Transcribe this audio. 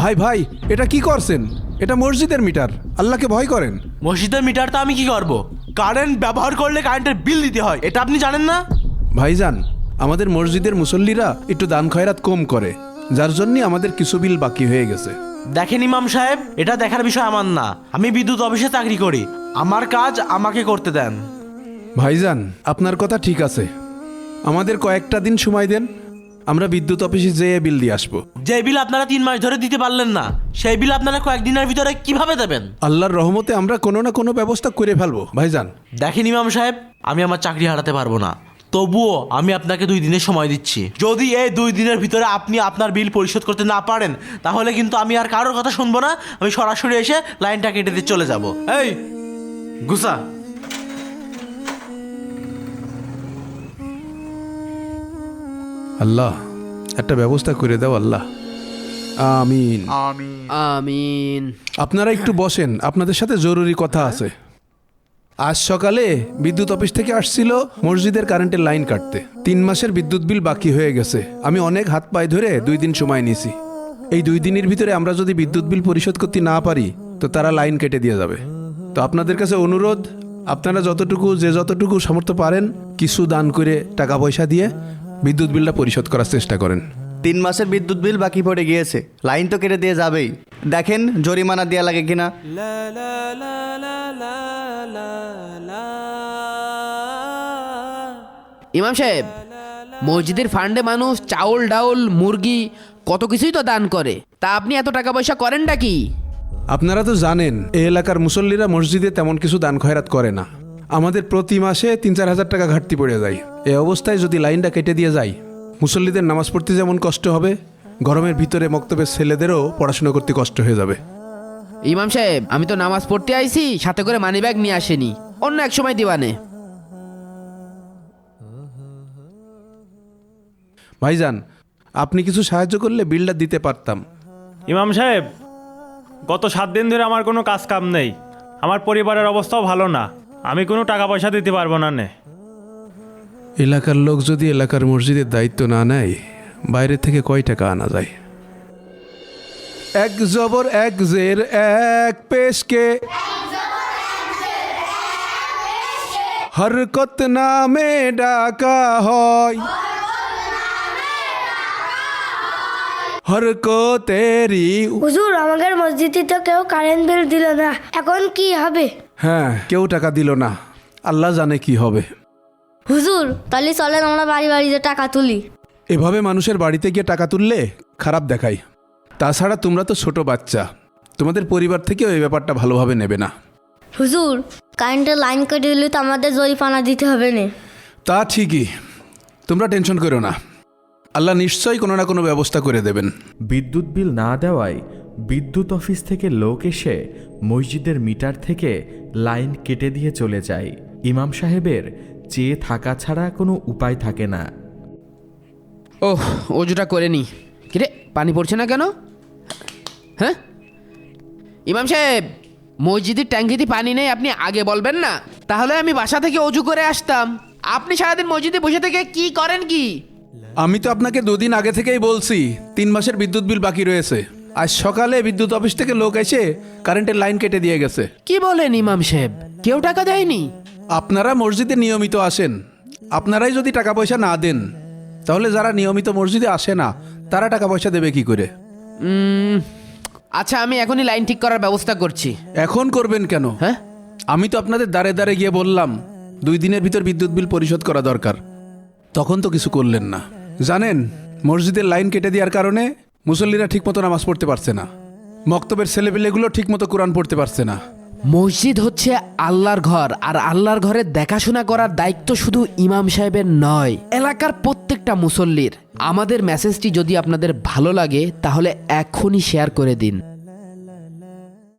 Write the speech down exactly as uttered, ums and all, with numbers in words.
ভাই ভাই এটা কি করছেন? এটা মসজিদের মিটার, আল্লাহকে ভয় করেন। মসজিদের মিটার তো আমি কি করব? কারেন্ট ব্যবহার করলে কারেন্টের বিল দিতে হয়, এটা আপনি জানেন না? ভাইজান, আমাদের মসজিদের মুসল্লিরা একটু দান খয়রাত কম করে, যার জন্য আমাদের কিছু বিল বাকি হয়ে গেছে। দেখেন ইমাম সাহেব, এটা দেখার বিষয় আমার না। আমি বিদ্যুৎ অফিসে চাকরি করি, আমার কাজ আমাকে করতে দেন। ভাইজান, আপনার কথা ঠিক আছে, আমাদের কয়েকটা দিন সময় দেন, আমরা বিদ্যুৎ অফিসে যেয়ে বিল দিয়ে আসবো। যে বিল আপনারা তিন মাস ধরে দিতে পারলেন না, সেই বিল আপনারা কয়েকদিনের ভিতরে কিভাবে দেবেন? আল্লাহর রহমতে আমরা কোনো না কোনো ব্যবস্থা করে ফেলবো ভাইজান। দেখেন ইমাম সাহেব, আমি আমার চাকরি হারাতে পারবো না, তবুও আমি আপনাকে দুই দিনের সময় দিচ্ছি। যদি এই দুই দিনের ভিতরে আপনি আপনার বিল পরিশোধ করতে না পারেন, তাহলে কিন্তু আমি আর কারোর কথা শুনবো না, আমি সরাসরি এসে লাইনটা কেটে দিয়ে চলে যাব। এই গুসা। আল্লাহ একটা ব্যবস্থা করে দাও আল্লাহ, আমিন আমিন। আপনারা একটু বসেন, আপনাদের সাথে জরুরি কথা আছে। আজ সকালে বিদ্যুৎ অফিস থেকে আসছিল মসজিদের কারেন্টের লাইন কাটতে। তিন মাসের বিদ্যুৎ বিল বাকি হয়ে গেছে। আমি অনেক হাত পায়ে ধরে দুই দিন সময় নিয়েছি। এই দুই দিনের ভিতরে আমরা যদি বিদ্যুৎ বিল পরিশোধ করতে না পারি, তো তারা লাইন কেটে দিয়ে যাবে। তো আপনাদের কাছে অনুরোধ, আপনারা যতটুকু যে যতটুকু সামর্থ্য পারেন কিছু দান করে টাকা পয়সা দিয়ে বিদ্যুৎ বিলটা পরিশোধ করার চেষ্টা করেন। তিন মাসের বিদ্যুৎ বিল বাকি পড়ে গিয়েছে, লাইন তো কেটে দিয়ে যাবেই। দেখেন জরিমানা দেওয়া লাগে কিনা। ইমাম সাহেব, মসজিদের ফান্ডে মানুষ চাউল ডাউল মুরগি কত কিছুই তো দান করে, তা আপনি এত টাকা পয়সা করেনটা কি? আপনারা তো জানেন এই এলাকার মুসল্লিরা মসজিদে তেমন কিছু দান খয়রাত করে না। আমাদের প্রতি মাসে তিন চার হাজার টাকা ঘাটতি পড়ে যায়। এই অবস্থায় যদি লাইনটা কেটে দিয়ে যায়, মুসল্লিদের নামাজ পড়তে যেমন কষ্ট হবে, গরমের ভিতরে মক্তবের ছেলেদেরও পড়াশোনা করতে কষ্ট হয়ে যাবে। ইমাম সাহেব, আমি তো নামাজ পড়তে আইছি, সাথে করে মানি ব্যাগ নিয়ে আসেনি, অন্য এক সময় দিবানে। ভাইজান, আপনি কিছু সাহায্য করলে বিলটা দিতে পারতাম। ইমাম সাহেব, গত সাত দিন ধরে আমার কোনো কাজ কাম নেই, আমার পরিবারের অবস্থাও ভালো না, আমি কোনো টাকা পয়সা দিতে পারবো না নে। এলাকার লোক যদি এলাকার মসজিদের দায়িত্ব না নেয়, বাইরে থেকে কয় টাকা আনা যায়? এক জবর এক জের এক পেশকে হরকত নামে ডাকা হয়, হরকতেরি। হুজুর, আমাদের মসজিদে তো কেউ কারেন্ট বিল দিল না, এখন কি হবে? হ্যাঁ, কেউ টাকা দিল না, আল্লাহ জানে কি হবে। হুজুর, তাহলে চলেন আমরা বাড়ি বাড়িতে টাকা তুলি। এভাবে মানুষের বাড়িতে গিয়ে টাকা তুললে খারাপ দেখায়। তাছাড়া তোমরা তো ছোট বাচ্চা, তোমাদের পরিবার থেকেও এই ব্যাপারটা ভালোভাবে নেবে না। হুজুর, কারেন্টের লাইন কেটে দিলে তো আমাদের জরিমানা দিতে হবে না। তা ঠিকই, তোমরা টেনশন করো না, আল্লাহ নিশ্চয়ই কোনো না কোনো ব্যবস্থা করে দেবেন। বিদ্যুৎ বিল না দেওয়ায় বিদ্যুৎ অফিস থেকে লোক এসে মসজিদের মিটার থেকে লাইন কেটে দিয়ে চলে যায়। ইমাম সাহেবের চেয়ে থাকা ছাড়া কোনো উপায় থাকে না। ওহ, অজুটা করে নি। কিরে, পানি পড়ছে না কেন? হ্যাঁ ইমাম সাহেব, মসজিদের ট্যাঙ্কিতে পানি নেই, আপনি আগে বলবেন না? তাহলে আমি বাসা থেকে অজু করে আসতাম। আপনি সারাদিন মসজিদে বসে থেকে কি করেন কি? আমি তো আপনাকে দুদিন আগে থেকেই বলছি তিন মাসের বিদ্যুৎ বিল বাকি রয়েছে। আজ সকালে বিদ্যুৎ অফিস থেকে লোক এসে কারেন্টের লাইন কেটে দিয়ে গেছে। কি বলেন ইমাম সাহেব, কেউ টাকা দেয়নি? আপনারা মসজিদে নিয়মিত আসেন, আপনারাই যদি টাকা পয়সা না দেন, তাহলে যারা নিয়মিত মসজিদে আসে না তারা টাকা পয়সা দেবে কি করে? উম, আচ্ছা, আমি এখনই লাইন ঠিক করার ব্যবস্থা করছি। এখন করবেন কেন? হ্যাঁ, আমি তো আপনাদের দাঁড়ে দাঁড়ে গিয়ে বললাম দুই দিনের ভিতর বিদ্যুৎ বিল পরিশোধ করা দরকার, তখন তো কিছু করলেন না। জানেন, মসজিদের লাইন কেটে দেওয়ার কারণে মুসল্লিরা ঠিকমতো নামাজ পড়তে পারছে না, মক্তবের ছেলেপেলেগুলো ঠিকমতো কোরআন পড়তে পারছে না। মসজিদ হচ্ছে আল্লাহর ঘর, আর আল্লাহর ঘরের দেখাশোনা করার দায়িত্ব শুধু ইমাম সাহেবের নয়, এলাকার প্রত্যেকটা মুসল্লির। আমাদের মেসেজটি যদি আপনাদের ভালো লাগে তাহলে এখনই শেয়ার করে দিন।